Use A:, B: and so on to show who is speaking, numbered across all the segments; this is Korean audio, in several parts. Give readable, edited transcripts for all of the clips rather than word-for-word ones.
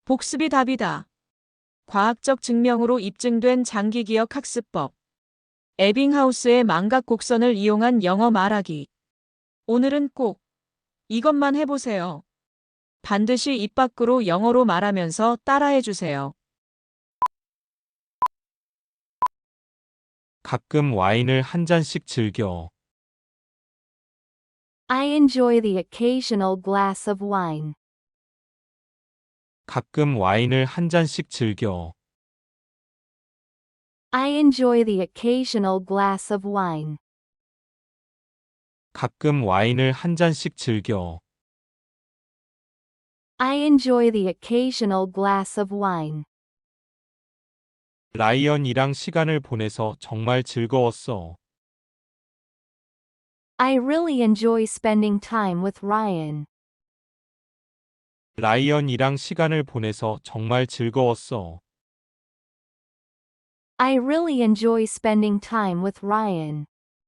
A: 복습이 답이다. 과학적 증명으로 입증된 장기기억 학습법. 에빙하우스의 망각 곡선을 이용한 영어 말하기. 오늘은 꼭 이것만 해보세요. 반드시 입 밖으로 영어로 말하면서 따라해주세요.
B: 가끔 와인을 한 잔씩 즐겨.
C: I enjoy the occasional glass of wine.
B: 가끔 와인을 한 잔씩 즐겨.
C: I enjoy the occasional glass of wine.
B: 가끔 와인을 한 잔씩 즐겨.
C: I enjoy the occasional glass of wine.
B: 라이언이랑 시간을 보내서 정말 즐거웠어.
C: I really enjoy spending time with Ryan.
B: 라이언이랑 시간을 보내서 정말 즐거웠어.
C: I really enjoy spending time with Ryan.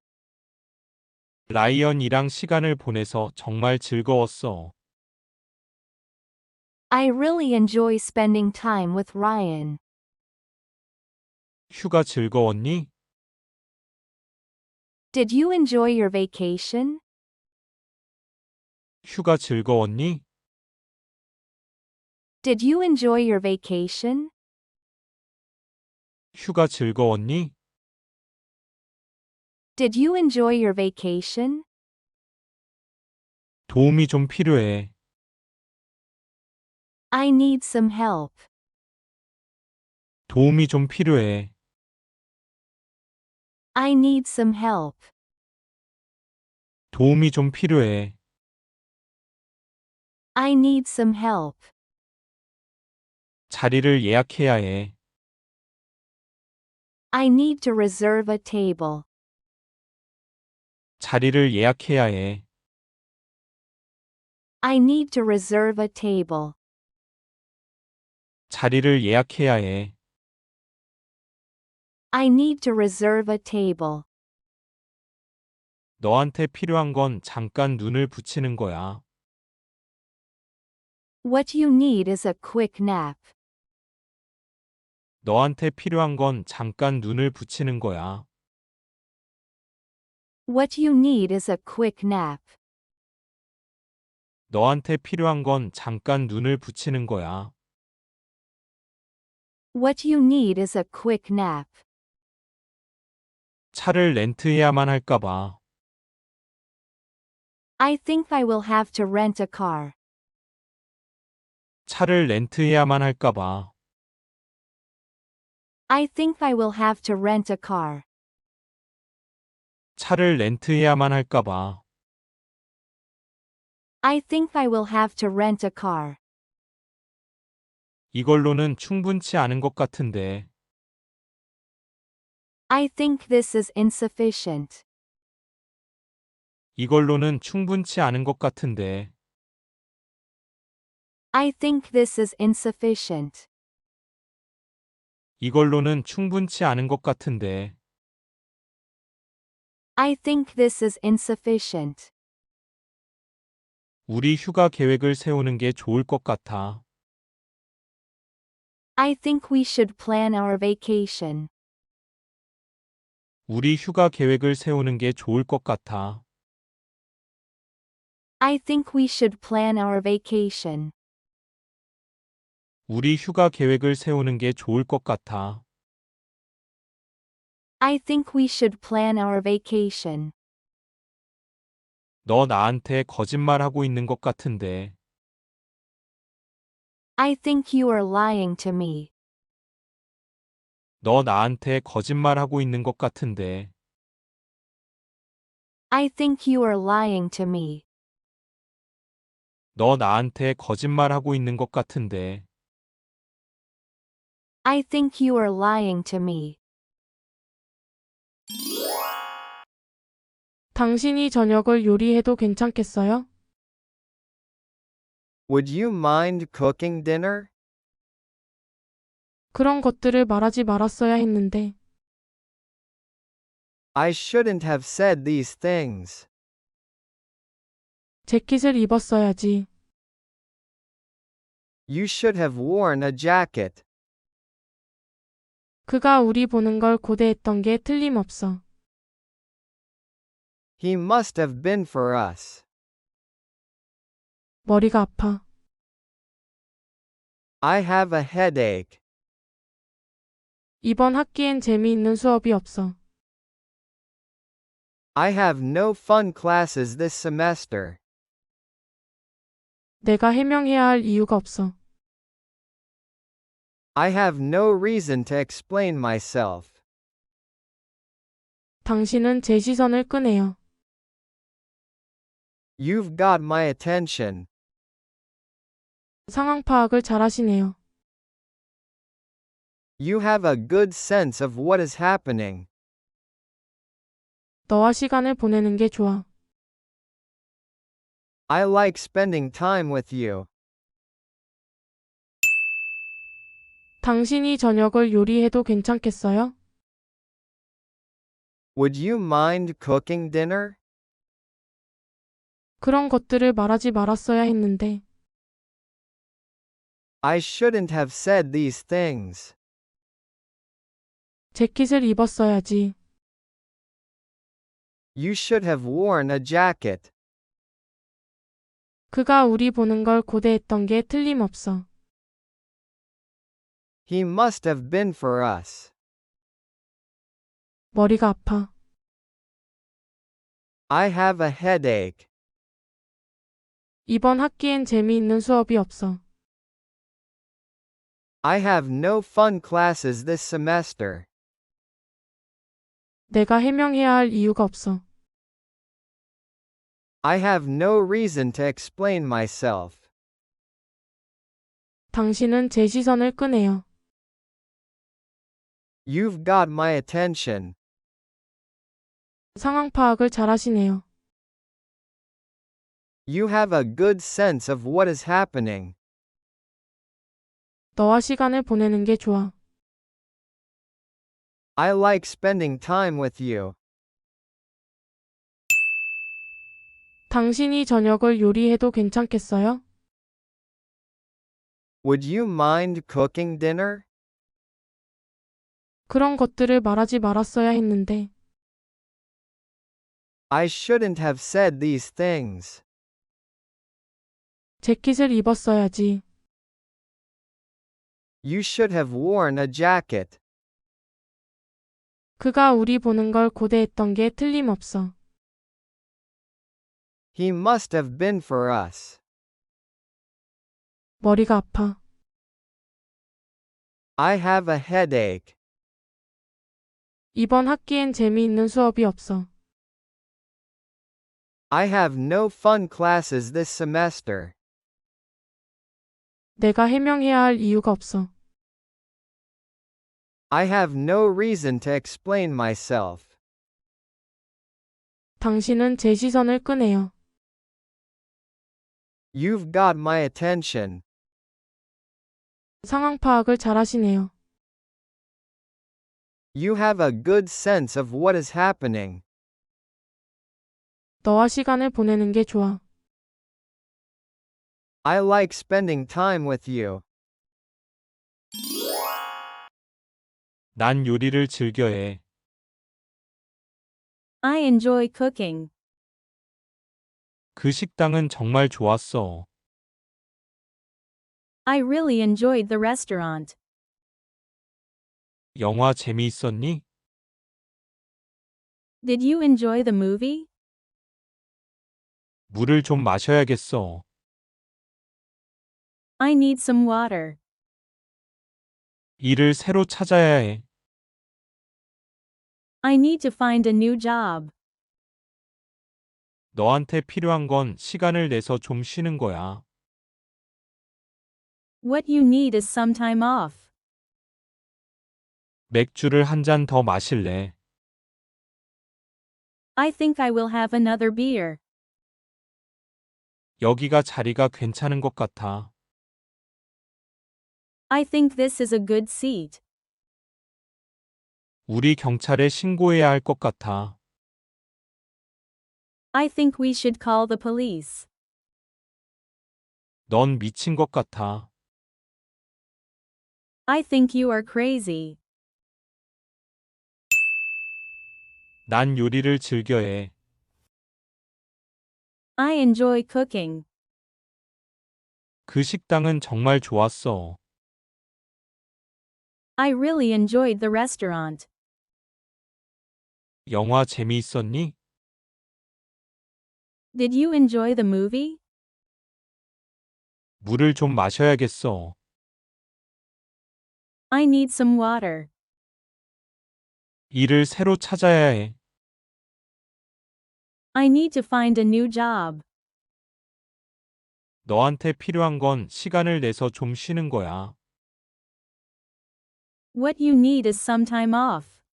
B: 라이언이랑 시간을 보내서 정말 즐거웠어.
C: I really enjoy spending time with Ryan.
B: 휴가 즐거웠니?
C: Did you enjoy your vacation?
B: 휴가 즐거웠니?
C: Did you enjoy your vacation?
B: 휴가 즐거웠니?
C: Did you enjoy your vacation?
B: 도움이 좀 필요해.
C: I need some help.
B: 도움이 좀 필요해.
C: I need some help.
B: 도움이 좀 필요해.
C: I need some help.
B: 자리를 예약해야 해.
C: I need to reserve a table.
B: 자리를 예약해야 해.
C: I need to reserve a table.
B: 자리를 예약해야 해.
C: I need to reserve a table.
B: 너한테 필요한 건 잠깐 눈을 붙이는 거야.
C: What you need is a quick nap.
B: 너한테 필요한 건 잠깐 눈을 붙이는 거야.
C: What you need is a quick nap.
B: 너한테 필요한 건 잠깐 눈을 붙이는 거야.
C: What you need is a quick nap.
B: 차를 렌트해야만 할까 봐.
C: I think I will have to rent a car.
B: 차를 렌트해야만 할까 봐.
C: I think I will have to rent a car.
B: 차를 렌트해야만 할까 봐.
C: I think I will have to rent a car.
B: 이걸로는 충분치 않은 것 같은데.
C: I think this is insufficient.
B: 이걸로는 충분치 않은 것 같은데.
C: I think this is insufficient.
B: 이걸로는 충분치 않은 것 같은데.
C: I think this is insufficient.
B: 우리 휴가 계획을 세우는 게 좋을 것 같아.
C: I think we should plan our vacation.
B: 우리 휴가 계획을 세우는 게 좋을 것 같아.
C: I think we should plan our vacation.
B: 우리 휴가 계획을 세우는 게 좋을 것 같아.
C: I think we should plan our vacation.
B: 너 나한테 거짓말하고 있는 것 같은데.
C: I think you are lying to me.
B: 너 나한테 거짓말하고 있는 것 같은데.
C: I think you are lying to me.
B: 너 나한테 거짓말하고 있는 것 같은데.
C: I think you are lying to me.
D: 당신이 저녁을 요리해도 괜찮겠어요?
E: Would you mind cooking dinner?
D: 그런 것들을 말하지 말았어야 했는데.
E: I shouldn't have said these things.
D: 재킷을 입었어야지.
E: You should have worn a jacket.
D: 그가 우리 보는 걸 고대했던 게 틀림없어.
E: He must have been for us.
D: 머리가 아파.
E: I have a headache.
D: 이번 학기엔 재미있는 수업이 없어.
E: I have no fun classes this semester.
D: 내가 해명해야 할 이유가 없어.
E: I have no reason to explain myself.
D: 당신은 제 시선을 끄네요.
E: You've got my attention.
D: 상황 파악을 잘하시네요.
E: You have a good sense of what is happening.
D: 너와 시간을 보내는 게 좋아.
E: I like spending time with you.
D: 당신이 저녁을 요리해도 괜찮겠어요?
E: Would you mind cooking dinner?
D: 그런 것들을 말하지 말았어야 했는데.
E: I shouldn't have said these things.
D: 재킷을 입었어야지.
E: You should have worn a jacket.
D: 그가 우리 보는 걸 고대했던 게 틀림없어.
E: He must have been for us.
D: 머리가 아파.
E: I have a headache.
D: 이번 학기엔 재미있는 수업이 없어.
E: I have no fun classes this semester.
D: 내가 해명해야 할 이유가 없어.
E: I have no reason to explain myself.
D: 당신은 제 시선을 끄네요.
E: You've got my attention.
D: 상황 파악을 잘하시네요.
E: You have a good sense of what is happening.
D: 너와 시간을 보내는 게 좋아.
E: I like spending time with you.
D: 당신이 저녁을 요리해도 괜찮겠어요?
E: Would you mind cooking dinner?
D: 그런 것들을 말하지 말았어야 했는데.
E: I shouldn't have said these things.
D: 재킷을 입었어야지.
E: You should have worn a jacket.
D: 그가 우리 보는 걸 고대했던 게 틀림없어.
E: He must have been for us.
D: 머리가 아파.
E: I have a headache.
D: 이번 학기엔 재미있는 수업이 없어.
E: I have no fun classes this semester.
D: 내가 해명해야 할 이유가 없어.
E: I have no reason to explain myself.
D: 당신은 제 시선을 끄네요.
E: You've got my attention.
D: 상황 파악을 잘하시네요.
E: You have a good sense of what is happening.
D: 너와 시간을 보내는 게 좋아.
E: I like spending time with you.
B: 난 요리를 즐겨해.
F: I enjoy cooking.
B: 그 식당은 정말 좋았어.
F: I really enjoyed the restaurant.
B: 영화 재미있었니?
F: Did you enjoy the movie?
B: 물을 좀 마셔야겠어.
F: I need some water.
B: 일을 새로 찾아야 해.
F: I need to find a new job.
B: 너한테 필요한 건 시간을 내서 좀 쉬는 거야.
F: What you need is some time off.
B: 맥주를 한 잔 더 마실래?
F: I think I will have another beer.
B: 여기가 자리가 괜찮은 것 같아.
F: I think this is a good seat.
B: 우리 경찰에 신고해야 할 것 같아.
F: I think we should call the police.
B: 넌 미친 것 같아.
F: I think you are crazy.
B: 난 요리를 즐겨해.
F: I enjoy cooking.
B: 그 식당은 정말 좋았어.
F: I really enjoyed the restaurant.
B: 영화 재미있었니?
F: Did you enjoy the movie?
B: 물을 좀 마셔야겠어.
F: I need some water.
B: 일을 새로 찾아야 해.
F: I need to find a new job.
B: 너한테 필요한 건 시간을 내서 좀 쉬는 거야.
F: What you need is some time off.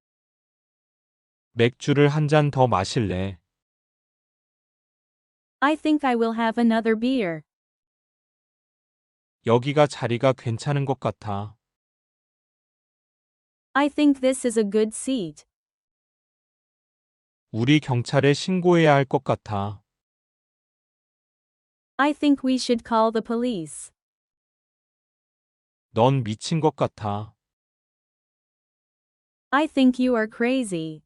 B: 맥주를 한 잔 더 마실래?
F: I think I will have another beer.
B: 여기가 자리가 괜찮은 것 같아.
F: I think this is a good seat.
B: 우리 경찰에 신고해야 할 것 같아.
F: I think we should call the police.
B: 넌 미친 것 같아.
F: I think you are crazy.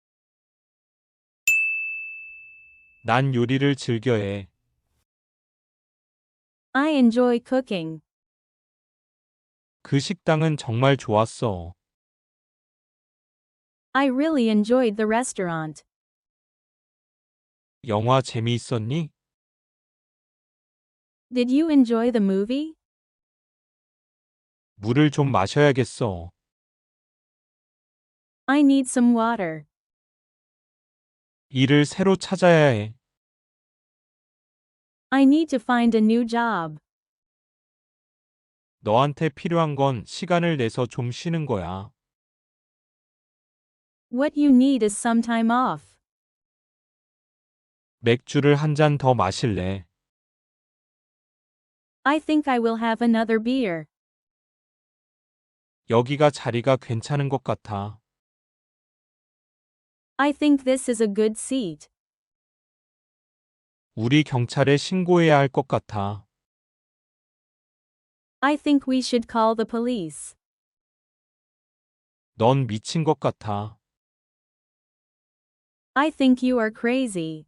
B: 난 요리를 즐겨해.
F: I enjoy cooking.
B: 그 식당은 정말 좋았어.
F: I really enjoyed the restaurant.
B: 영화 재미있었니?
F: Did you enjoy the movie?
B: 물을 좀 마셔야겠어.
F: I need some water.
B: 일을 새로 찾아야 해.
F: I need to find a new job.
B: 너한테 필요한 건 시간을 내서 좀 쉬는 거야.
F: What you need is some time off.
B: 맥주를 한 잔 더 마실래?
F: I think I will have another beer.
B: 여기가 자리가 괜찮은 것 같아.
F: I think this is a good seat.
B: 우리 경찰에 신고해야 할 것 같아.
F: I think we should call the police.
B: 넌 미친 것 같아.
F: I think you are crazy.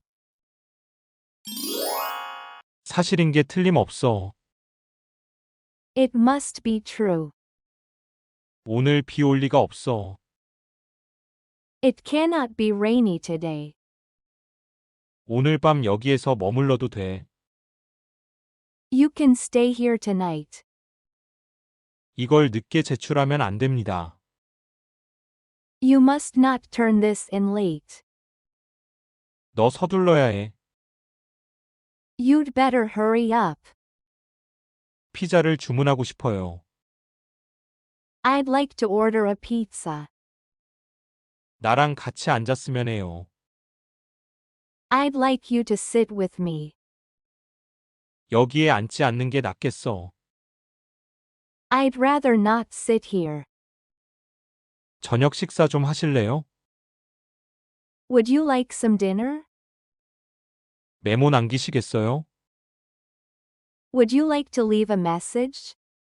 B: 사실인 게 틀림없어.
C: It must be true.
B: 오늘 비 올 리가 없어.
C: It cannot be rainy today.
B: 오늘 밤 여기에서 머물러도 돼.
C: You can stay here tonight.
B: 이걸 늦게 제출하면 안 됩니다.
C: You must not turn this in late.
B: 너 서둘러야 해.
C: You'd better hurry up.
B: 피자를 주문하고 싶어요.
C: I'd like to order a pizza.
B: 나랑 같이 앉았으면 해요.
C: I'd like you to sit with me.
B: 여기에 앉지 않는 게 낫겠어.
C: I'd rather not sit here.
B: 저녁 식사 좀 하실래요?
C: Would you like some dinner?
B: 메모 남기시겠어요?
C: Would you like to leave a message?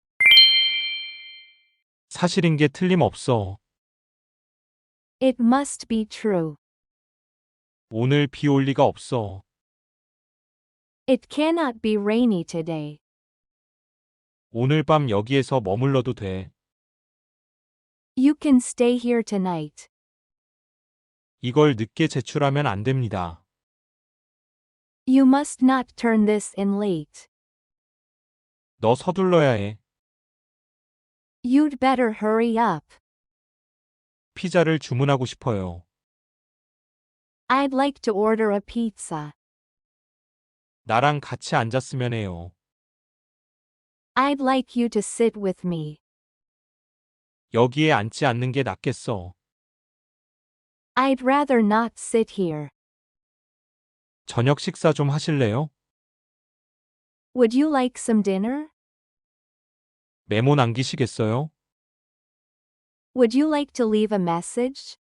B: 사실인 게 틀림없어.
C: It must be true.
B: 오늘 비 올 리가 없어.
C: It cannot be rainy today.
B: 오늘 밤 여기에서 머물러도 돼.
C: You can stay here tonight.
B: 이걸 늦게 제출하면 안 됩니다.
C: You must not turn this in late.
B: 너 서둘러야 해.
C: You'd better hurry up.
B: 피자를 주문하고 싶어요.
C: I'd like to order a pizza.
B: 나랑 같이 앉았으면 해요.
C: I'd like you to sit with me.
B: 여기에 앉지 않는 게 낫겠어.
C: I'd rather not sit here.
B: 저녁 식사 좀 하실래요?
C: Would you like some dinner?
B: 메모 남기시겠어요?
C: Would you like to leave a message?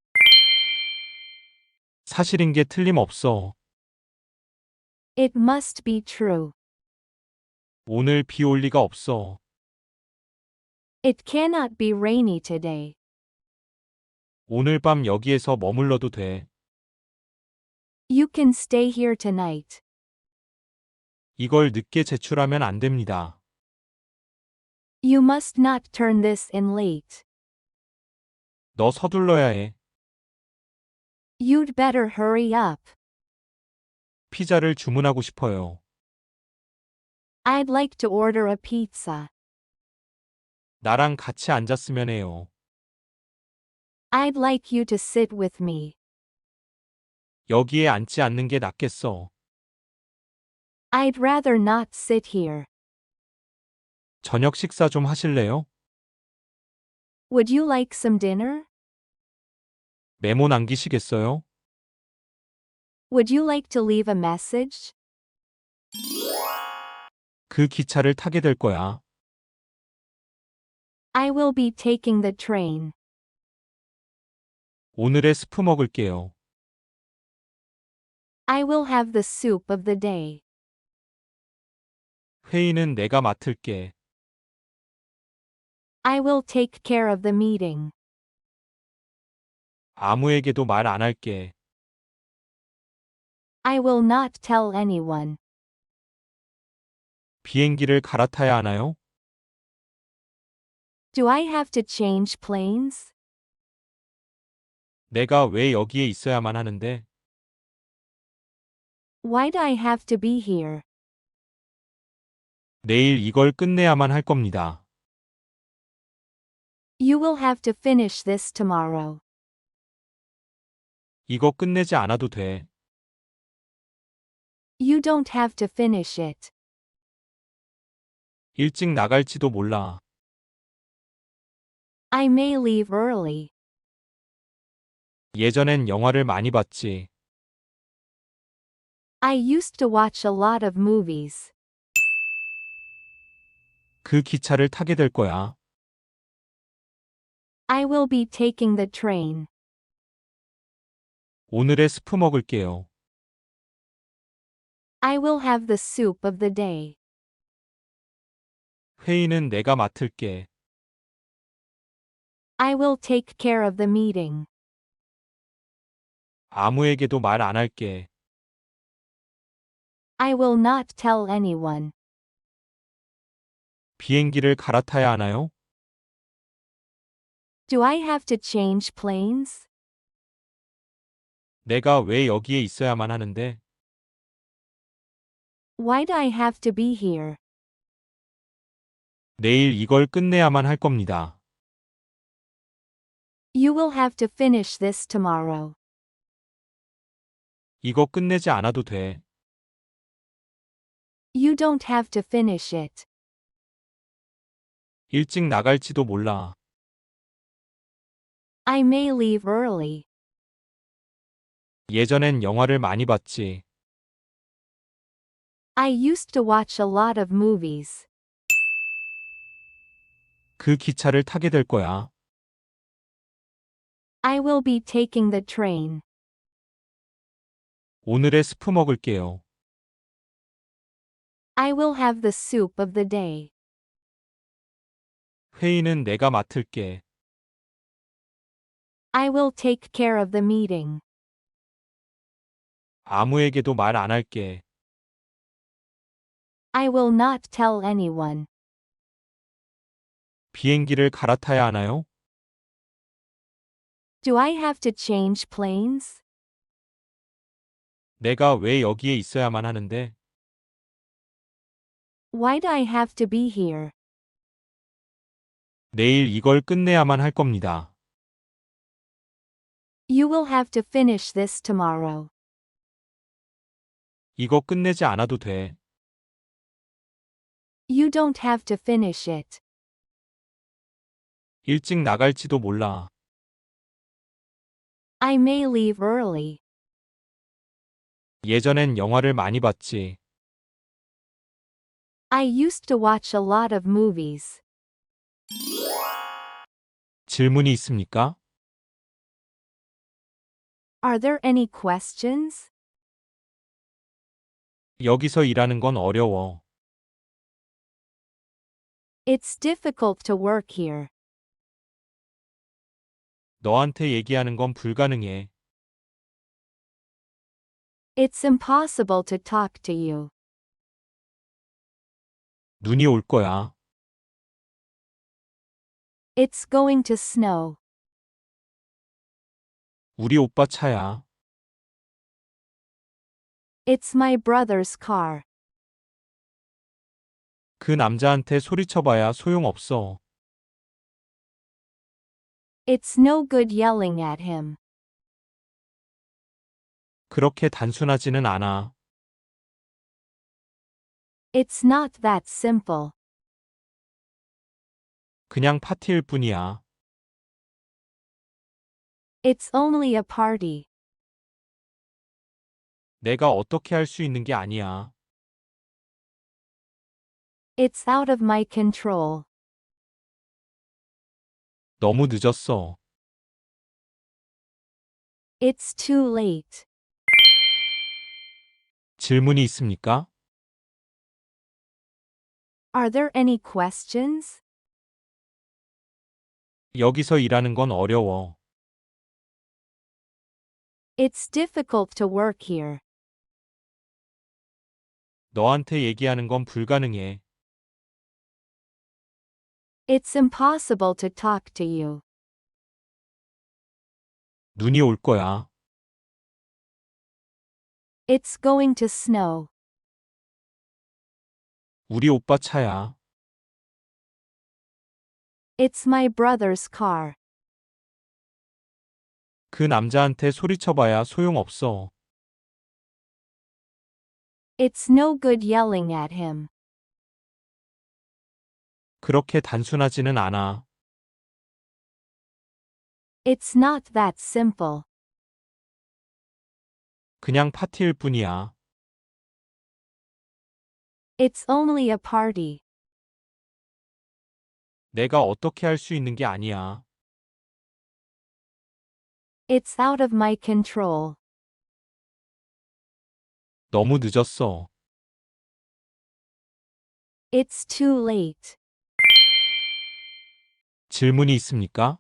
B: 사실인 게 틀림없어.
C: It must be true.
B: 오늘 비 올 리가 없어.
C: It cannot be rainy today.
B: 오늘 밤 여기에서 머물러도 돼.
C: You can stay here tonight.
B: 이걸 늦게 제출하면 안 됩니다.
C: You must not turn this in late.
B: 너 서둘러야 해.
C: You'd better hurry up.
B: 피자를 주문하고 싶어요.
C: I'd like to order a pizza.
B: 나랑 같이 앉았으면 해요.
C: I'd like you to sit with me.
B: 여기에 앉지 않는 게 낫겠어.
C: I'd rather not sit here.
B: 저녁 식사 좀 하실래요?
C: Would you like some dinner?
B: 메모 남기시겠어요?
C: Would you like to leave a message?
B: 그 기차를 타게 될 거야.
C: I will be taking the train.
B: 오늘의 스프 먹을게요.
C: I will have the soup of the day.
B: 회의는 내가 맡을게.
C: I will take care of the meeting.
B: 아무에게도 말 안 할게.
C: I will not tell anyone.
B: 비행기를 갈아타야 하나요?
C: Do I have to change planes?
B: 내가 왜 여기에 있어야만 하는데?
C: Why do I have to be here?
B: 내일 이걸 끝내야만 할 겁니다.
C: You will have to finish this tomorrow.
B: 이거 끝내지 않아도 돼.
C: You don't have to finish it.
B: 일찍 나갈지도 몰라.
C: I may leave early.
B: 예전엔 영화를 많이 봤지.
C: I used to watch a lot of movies.
B: 그 기차를 타게 될 거야.
C: I will be taking the train.
B: 오늘의 스프 먹을게요.
C: I will have the soup of the day.
B: 회의는 내가 맡을게.
C: I will take care of the meeting.
B: 아무에게도 말 안 할게.
C: I will not tell anyone.
B: 비행기를 갈아타야 하나요?
C: Do I have to change planes?
B: 내가 왜 여기에 있어야만 하는데?
C: Why do I have to be here?
B: 내일 이걸 끝내야만 할 겁니다.
C: You will have to finish this tomorrow.
B: 이거 끝내지 않아도 돼.
C: You don't have to finish it.
B: 일찍 나갈지도 몰라.
C: I may leave early.
B: 예전엔 영화를 많이 봤지.
C: I used to watch a lot of movies.
B: 그 기차를 타게 될 거야.
C: I will be taking the train.
B: 오늘의 스프 먹을게요.
C: I will have the soup of the day.
B: 회의는 내가 맡을게.
C: I will take care of the meeting.
B: 아무에게도 말 안 할게.
C: I will not tell anyone.
B: 비행기를 갈아타야 하나요?
C: Do I have to change planes?
B: 내가 왜 여기에 있어야만 하는데?
C: Why do I have to be here?
B: 내일 이걸 끝내야만 할 겁니다.
C: You will have to finish this tomorrow.
B: 이거 끝내지 않아도 돼.
C: You don't have to finish it.
B: 일찍 나갈지도 몰라.
C: I may leave early.
B: 예전엔 영화를 많이 봤지.
C: I used to watch a lot of movies.
B: 질문이 있습니까?
C: Are there any questions?
B: 여기서 일하는 건 어려워.
C: It's difficult to work here.
B: 너한테 얘기하는 건 불가능해.
C: It's impossible to talk to you.
B: 눈이 올 거야.
C: It's going to snow.
B: 우리 오빠 차야.
C: It's my brother's car.
B: 그 남자한테 소리쳐봐야 소용없어.
C: It's no good yelling at him.
B: 그렇게 단순하지는 않아.
C: It's not that simple.
B: 그냥 파티일 뿐이야.
C: It's only a party.
B: 내가 어떻게 할 수 있는 게 아니야.
C: It's out of my control.
B: 너무 늦었어.
C: It's too late.
B: 질문이 있습니까?
C: Are there any questions?
B: 여기서 일하는 건 어려워.
C: It's difficult to work here.
B: 너한테 얘기하는 건 불가능해.
C: It's impossible to talk to you.
B: 눈이 올 거야.
C: It's going to snow.
B: 우리 오빠 차야.
C: It's my brother's car.
B: 그 남자한테 소리쳐봐야 소용없어.
C: It's no good yelling at him.
B: 그렇게 단순하지는 않아.
C: It's not that simple.
B: 그냥 파티일 뿐이야.
C: It's only a party.
B: 내가 어떻게 할 수 있는 게 아니야.
C: It's out of my control.
B: 너무 늦었어.
C: It's too late.
B: 질문이 있습니까?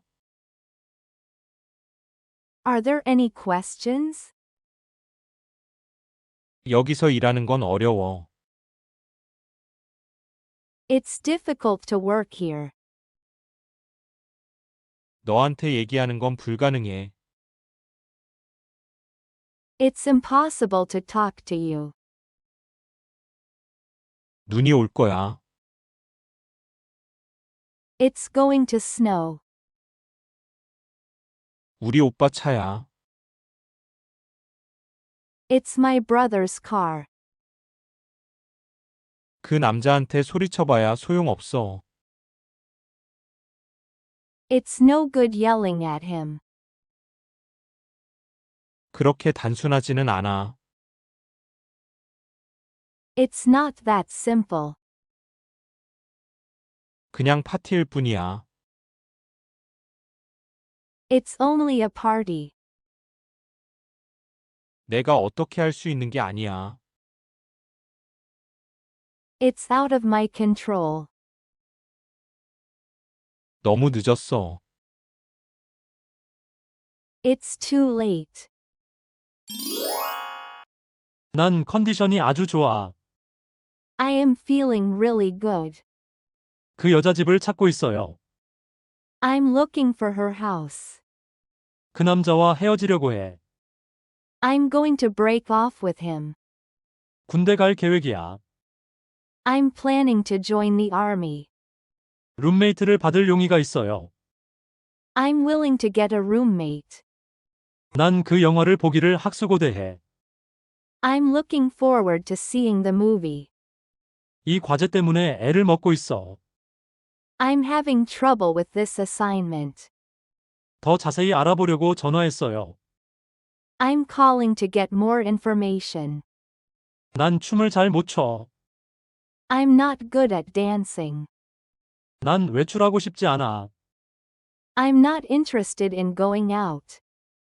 C: Are there any questions?
B: 여기서 일하는 건 어려워.
C: It's difficult to work here.
B: 너한테 얘기하는 건 불가능해.
C: It's impossible to talk to you.
B: 눈이 올 거야.
C: It's going to snow.
B: 우리 오빠 차야.
C: It's my brother's car.
B: 그 남자한테 소리쳐봐야 소용없어.
C: It's no good yelling at him.
B: 그렇게 단순하지는 않아.
C: It's not that simple.
B: 그냥 파티일 뿐이야.
C: It's only a party.
B: 내가 어떻게 할 수 있는 게 아니야.
C: It's out of my control.
B: 너무 늦었어.
C: It's too late.
G: 난 컨디션이 아주 좋아.
C: I am feeling really good.
G: 그 여자 집을 찾고 있어요.
C: I'm looking for her house.
G: 그 남자와 헤어지려고 해.
C: I'm going to break off with him.
G: 군대 갈 계획이야.
C: I'm planning to join the army.
G: 룸메이트를 받을 용의가 있어요.
C: I'm willing to get a roommate.
G: 난 그 영화를 보기를 학수고대해.
C: I'm looking forward to seeing the movie.
G: 이 과제 때문에 애를 먹고 있어.
C: I'm having trouble with this assignment.
G: 더 자세히 알아보려고 전화했어요.
C: I'm calling to get more information.
G: 난 춤을 잘 못 춰.
C: I'm not good at dancing.
G: 난 외출하고 싶지 않아.
C: I'm not interested in going out.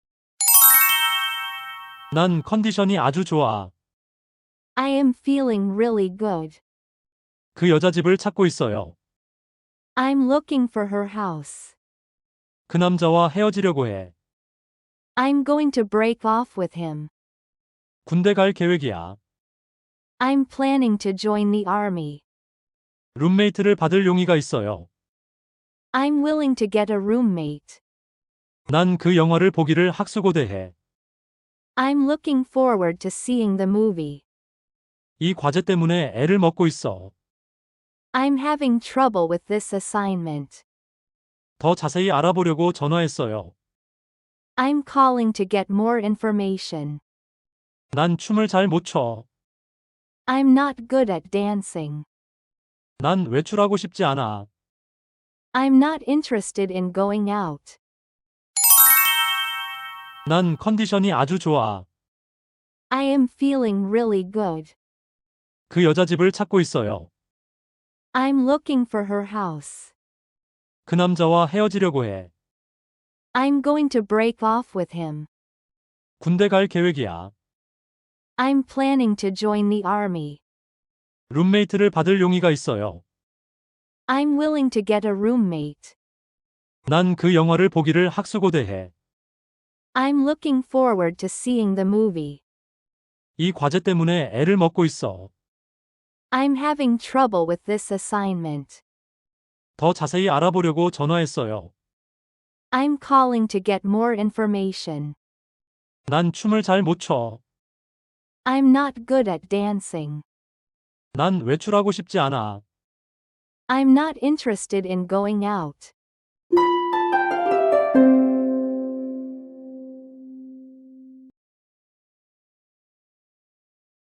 G: 난 컨디션이 아주 좋아.
C: I am feeling really good.
G: 그 여자 집을 찾고 있어요.
C: I'm looking for her house.
G: 그 남자와 헤어지려고 해.
C: I'm going to break off with him.
G: 군대 갈 계획이야.
C: I'm planning to join the army.
G: 룸메이트를 받을 용의가 있어요.
C: I'm willing to get a roommate.
G: 난 그 영화를 보기를 학수고대해.
C: I'm looking forward to seeing the movie.
G: 이 과제 때문에 애를 먹고 있어.
C: I'm having trouble with this assignment.
G: 더 자세히 알아보려고 전화했어요.
C: I'm calling to get more information.
G: 난 춤을 잘 못 춰.
C: I'm not good at dancing.
G: 난 외출하고 싶지 않아.
C: I'm not interested in going out.
G: 난 컨디션이 아주 좋아.
C: I am feeling really good.
G: 그 여자 집을 찾고 있어요.
C: I'm looking for her house.
G: 그 남자와 헤어지려고 해.
C: I'm going to break off with him.
G: 군대 갈 계획이야.
C: I'm planning to join the army.
G: 룸메이트를 받을 용의가 있어요.
C: I'm willing to get a roommate.
G: 난 그 영화를 보기를 학수고대해.
C: I'm looking forward to seeing the movie.
G: 이 과제 때문에 애를 먹고 있어.
C: I'm having trouble with this assignment.
G: 더 자세히 알아보려고 전화했어요.
C: I'm calling to get more information.
G: 난 춤을 잘 못 춰.
C: I'm not good at dancing.
G: 난 외출하고 싶지 않아.
C: I'm not interested in going out.